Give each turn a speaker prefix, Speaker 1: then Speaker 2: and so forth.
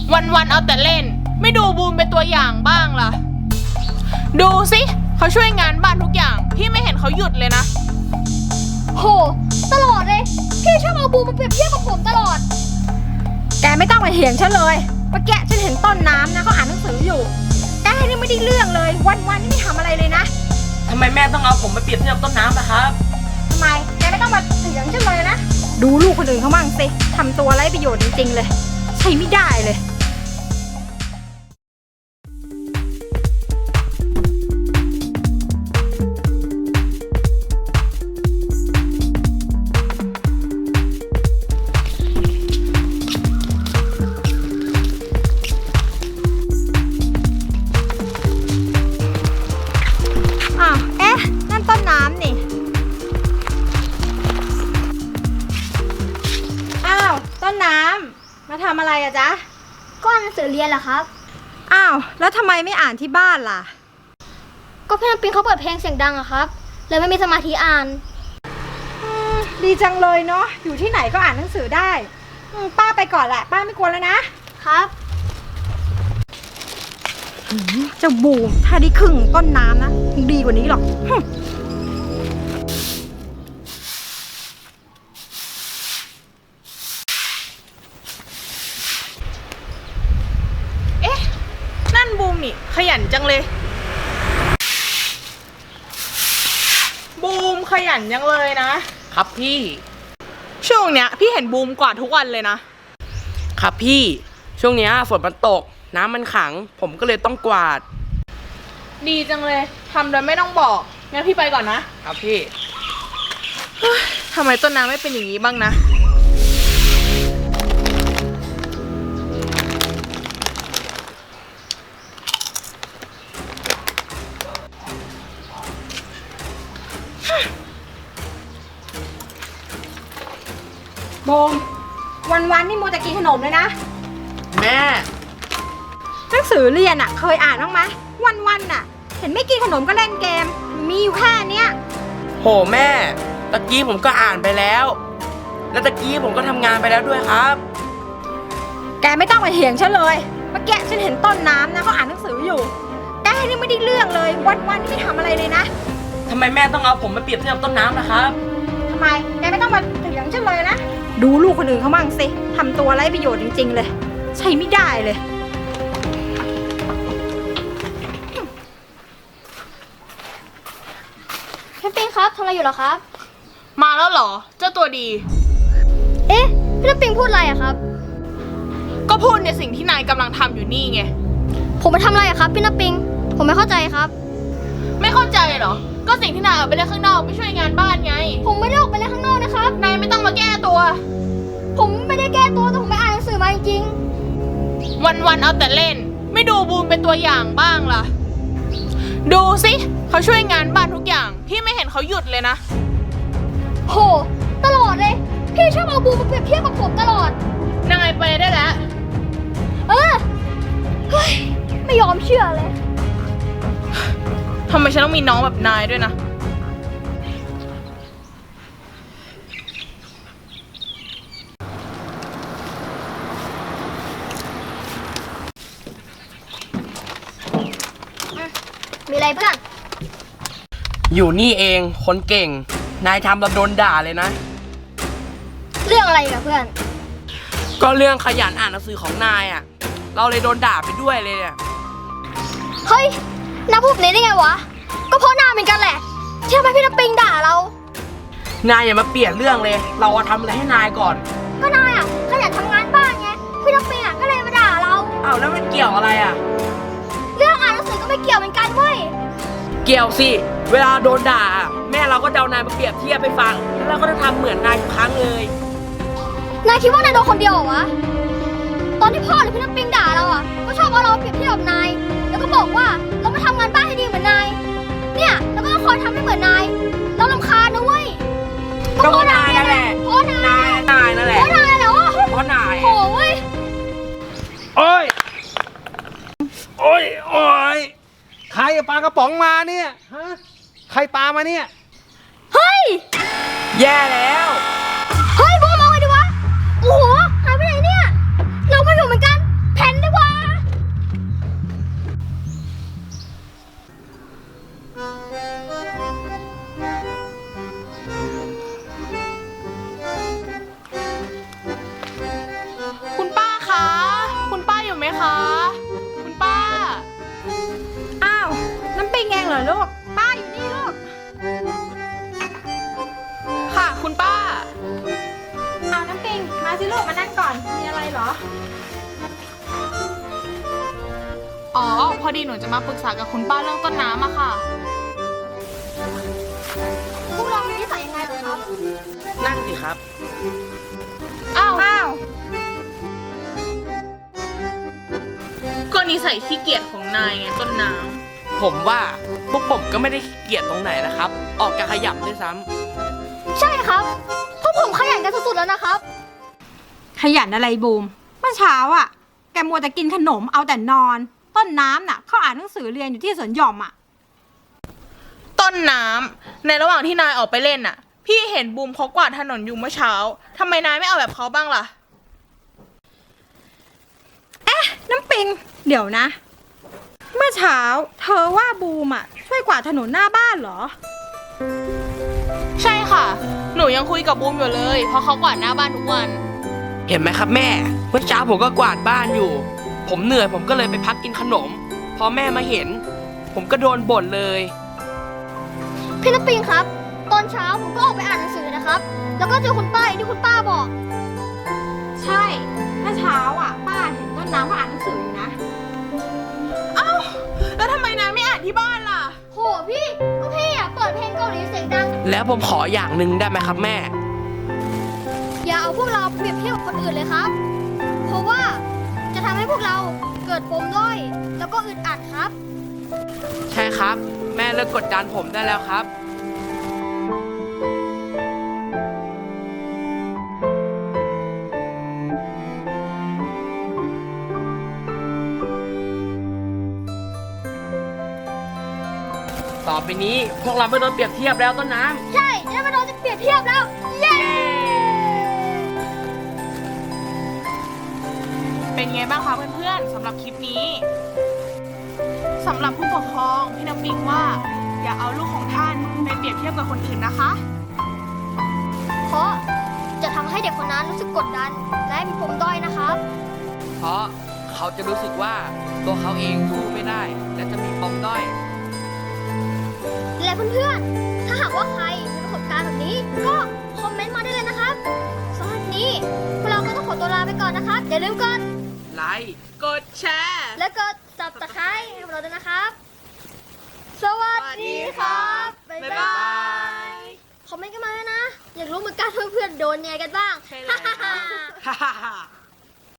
Speaker 1: วันเอาแต่เล่นไม่ดูบูมเป็นตัวอย่างบ้างล่ะดูสิเขาช่วยงานบ้านทุกอย่างพี่ไม่เห็นเขาหยุดเลยนะ
Speaker 2: โหตลอดเลยพี่ชอบเอาบูมมาเปรียบเทียบกับผมตลอดแกไม่ต้องมาเถียงฉันเลยเมื่อกี้ฉันเห็นต้นน้ำนะเขาอ่านหนังสืออยู่แกนี่ไม่ได้เรื่องเลยวันนี่ไม่ทำอะไรเลยนะ
Speaker 3: ทำไมแม่ต้องเอาผมมาเปรียบเทียบต้นน้ำนะครับ
Speaker 2: ทำไมแกไม่ต้องมาเถียงฉันเลยนะดูลูกคนอื่นเขาบ้างสิทำตัวไร้ประโยชน์จริงๆเลยใช้ไม่ได้เลยนั่นต้นน้ำนี่อ้าวต้นน้ำมาทำอะไรอะจ๊ะ
Speaker 4: ก็อ่านหนังสือเรียนเหรอครับ
Speaker 2: อ้าวแล้วทำไมไม่อ่านที่บ้านล่ะ
Speaker 4: ก็พี่น้ำปิงเขาเปิดเพลงเสียงดังอะครับเลยไม่มีสมาธิอ่าน
Speaker 2: ดีจังเลยเนาะอยู่ที่ไหนก็อ่านหนังสือได้ป้าไปก่อนแหละป้าไม่กวนแล้วนะครับเจ้าบูมถ้าได้ครึ่งต้นน้ำนะดีกว่านี้หรอก
Speaker 1: นั่นบูมนี่ขยันจังเลยบูมขยันจังเลยนะครับ
Speaker 3: พี่
Speaker 1: ช่วงเนี้ยพี่เห็นบูมกวาดทุกวันเลย
Speaker 3: ครับพี่ช่วงเนี้ยฝนมันตกน้ำมันขังผมก็เลยต้องกวาด
Speaker 1: ดีจังเลยทำโดยไม่ต้องบอกงั้นพี่ไปก่อนนะครับ
Speaker 3: พี่
Speaker 1: ทำไมต้นน้ำไม่เป็นอย่างนี้บ้างนะ
Speaker 2: โบมวันนี่มัวแต่กินขนมเลยนะ
Speaker 3: แม่
Speaker 2: หนังสือเรียนอะเคยอ่านบ้างไหมวันน่ะเห็นไม่กินขนมก็เล่นเกมมีอยู่แค่เนี้ย
Speaker 3: โหแม่ตะกี้ผมก็อ่านไปแล้วแล้วตะกี้ผมก็ทำงานไปแล้วด้วยครับ
Speaker 2: แกไม่ต้องมาเถียงฉันเลยเมื่อกี้ฉันเห็นต้นน้ำนะเขาอ่านหนังสืออยู่แกนี่ไม่ได้เรื่องเลยวันนี่ไม่ทำอะไรเลยนะ
Speaker 3: ทำไมแม่ต้องเอาผมมาเปรียบเทียบต้นน้ำนะครับ
Speaker 2: ทำไมแกไม่ต้องมาเถียงฉันเลยนะดูลูกคนอื่นเขาบ้างสิทำตัวไร้ประโยชน์จริงๆเลยใช้ไม่ได้เลย
Speaker 4: พี่ปิงครับทำอะไรอยู่เหรอครับ
Speaker 1: มาแล้วเหรอเจ้าตัวดี
Speaker 4: เอ๊ะพี่น้ำปิงพูดอะไรอะครับ
Speaker 1: ก็พูดในสิ่งที่นายกำลังทำอยู่นี่ไง
Speaker 4: ผมมาทำอะไรอะครับพี่น้ำปิงผมไม่เข้าใจครับ
Speaker 1: ไม่เข้าใจเหรอก็สิ่งที่นายออกไปเล่นข้างนอกไปช่วยงานบ้านไง
Speaker 4: ผมไม่ได้ออกไปเล่นข้างนอกนะครับ
Speaker 1: นายไม่ต้องมาแก้ตัว
Speaker 4: ผมไม่ได้แก้ตัวแต่ผมไปอ่านหนังสือมาจริง
Speaker 1: วันเอาแต่เล่นไม่ดูบูมเป็นตัวอย่างบ้างล่ะดูสิเขาช่วยงานบ้านทุกอย่างพี่ไม่เห็นเขาหยุดเลยนะ
Speaker 4: โหตลอดเลยพี่ชอบเอาบูมมาเปรียบเทียบกับผมตลอด
Speaker 1: นายไปได้แล้ว
Speaker 4: เฮ้ยไม่ยอมเชื่อเลย
Speaker 1: ทำไมฉันต้องมีน้องแบบนายด้วยนะ
Speaker 4: มีอะไรเพื่อน
Speaker 3: อยู่นี่เองคนเก่งนายทำเราโดนด่าเลยนะ
Speaker 4: เรื่องอะไรกับเพื่อน
Speaker 3: ก็เรื่องขยันอ่านหนังสือของนายอ่ะเราเลยโดนด่าไปด้วยเลยเนี่ย
Speaker 4: เฮ้ยน้าพูดนี้ได้ไงวะก็เพราะนายเหมือนกันแหละที่ทำไมพี่น้ำปิงด่าเรา
Speaker 3: นายอย่ามาเปลี่ยนเรื่องเลยเราทำอะไรให้นายก่อน
Speaker 4: ก็นายอ่ะขยันทำงานบ้านไงพี่น้ำปิงอ่ะก็เลยมาด่าเรา
Speaker 3: อ้าวแล้วมันเกี่ยวอะไรอ่ะ
Speaker 4: เรื่องอ่านหนังสือก็ไม่เกี่ยวเหมือนกันเว้ย
Speaker 3: เกี่ยวสิเวลาโดนด่าแม่เราก็จะเอานายมาเปรียบเทียบไปฟังแล้วเราก็จะทำเหมือนนายทุกครั้งเลย
Speaker 4: นายคิดว่านายโดนคนเดียวเหรอวะตอนที่พ่อหรือพี่น้ำปิงด่าเราอ่ะก็ชอบเอาเราเปรียบเทียบกับนายแล้วก็บอกว่าเราไม่ทำงานบ้านให้ดีเหมือนนายเนี่ยแล้วก็ต้องคอยทำให้เหมือนนายเรารำคาญนะเว้ย
Speaker 3: ก็เพราะนายนั่นแหละ
Speaker 4: เพราะนาย
Speaker 3: นั่นแหละ
Speaker 4: เพราะนายเหรอ
Speaker 3: เพราะนาย
Speaker 4: โหเว้ย
Speaker 5: โอ้ยใครปลากระป๋องมาเนี่ยฮะใครปลามาเนี่ย
Speaker 4: เฮ้ย
Speaker 3: แย่แล้ว
Speaker 4: เฮ้ยบูมเอาไงดีวะโอ้โหหายไปไหนเนี่ยเราก็อยู่เหมือนกันแผ่น
Speaker 2: ลูก ป้าอยู่นี่ลูก
Speaker 1: ค่ะคุณป้า
Speaker 2: เอาน้ำปิง มาสิลูก มานั่งก่อน มีอะไรเหรอ
Speaker 1: อ๋อ พอดีหนูจะมาปรึกษากับคุณป้าเรื่องต้นน้ำอะค่ะ
Speaker 4: พวกเรามีนิสัยยังไงเหรอครับ
Speaker 3: นั่นสิครับ
Speaker 1: อ้าว
Speaker 2: อ้าว
Speaker 1: ก็นิสัยขี้เกียจของนายไงต้นน้
Speaker 3: ผมว่าพวกผมก็ไม่ได้เกลียดตรงไหนนะครับ ออกจะขยับด้วยซ้ำ
Speaker 4: ใช่ครับพวกผมขยันกันสุดๆแล้วนะครับ
Speaker 2: ขยันอะไรบูม เมื่อเช้าอ่ะ แกมัวแต่กินขนมเอาแต่นอน ต้นน้ำน่ะเขาอ่านหนังสือเรียนอยู่ที่สวนหย่อมอ่ะ
Speaker 1: ำต้นน้ำในระหว่างที่นายออกไปเล่นน่ะ พี่เห็นบูมเขากวาดถนนอยู่เมื่อเช้าทำไมนายไม่เอาแบบเขาบ้างล่ะ
Speaker 2: น้ำปิง เดี๋ยวนะ เมื่อเช้า เธอว่าบูมอ่ะช่วยกวาดถนนหน้าบ้านเหรอ
Speaker 1: ใช่ค่ะ หนูยังคุยกับบูมอยู่เลย เพราะเขากวาดหน้าบ้านทุกวัน
Speaker 3: เห็นไหมครับแม่ เมื่อเช้าผมก็กวาดบ้านอยู่ ผมเหนื่อยผมก็เลยไปพักกินขนม พอแม่มาเห็น ผมก็โดนบ่นเลย
Speaker 4: พี่น้ำปิงครับ ตอนเช้าผมก็ออกไปอ่านหนังสือนะครับ แล้วก็เจอคุณป้าอย่างที่คุณป้าบอก
Speaker 2: ใช่ เมื่อเช้าอ่ะ ป้าเห็นต้นน้ำเขาอ่านหนังสืออยู่นะ
Speaker 1: เอ้า แล้วทำไมนายไม่อ่านที่บ้านล่ะ
Speaker 4: โหพี่ ก็พี่อ่ะเปิดเพลงเกาหลีเสียงดัง
Speaker 3: แล้วผมขออย่างหนึ่งได้ไหมครับแม่
Speaker 4: อย่าเอาพวกเราเปรียบเทียบกับคนอื่นเลยครับ เพราะว่าจะทำให้พวกเราเกิดปมด้อย แล้วก็อึดอัดครับ
Speaker 3: ใช่ครับ แม่เลิกกดดันผมได้แล้วครับ ต่อไปนี้พวกเราไม่โดนเปรียบเทียบแล้วต้นน้ำ
Speaker 4: ใช่จะไม่โดนจะเปรียบเทียบแล้ว เย้
Speaker 1: เป็นไงบ้างคะเพื่อนๆสำหรับคลิปนี้สำหรับผู้ปกครองพี่น้ำปิงว่า อย่าเอาลูกของท่านไปเปรียบเทียบกับคนอื่นนะคะ
Speaker 4: เพราะจะทำให้เด็กคนนั้นรู้สึกกดดัน และมีปมด้อยนะครับ
Speaker 3: เพราะเขาจะรู้สึกว่าตัวเขาเองสู้ไม่ได้ และจะมีปมด้อย
Speaker 4: และเพื่อนๆ ถ้าหากว่าใครมีประสบการณ์แบบนี้ ก็คอมเมนต์มาได้เลยนะครับสำหรับวันนี้พวกเราก็ต้องขอตัวลาไปก่อนนะครับ อย่าลืมกด
Speaker 3: ไลค์
Speaker 1: กดแชร์
Speaker 4: และกด subscribe ให้พวกเราด้วยนะครับ สวัสดีครับ บ๊ายบาย คอมเมนต์กันมาด้วยนะ อยากรู้เหมือนกันเพื่อนๆโดนไงกันบ้าง
Speaker 1: ใช่แล้ว
Speaker 3: ฮ่าฮ่าฮ่า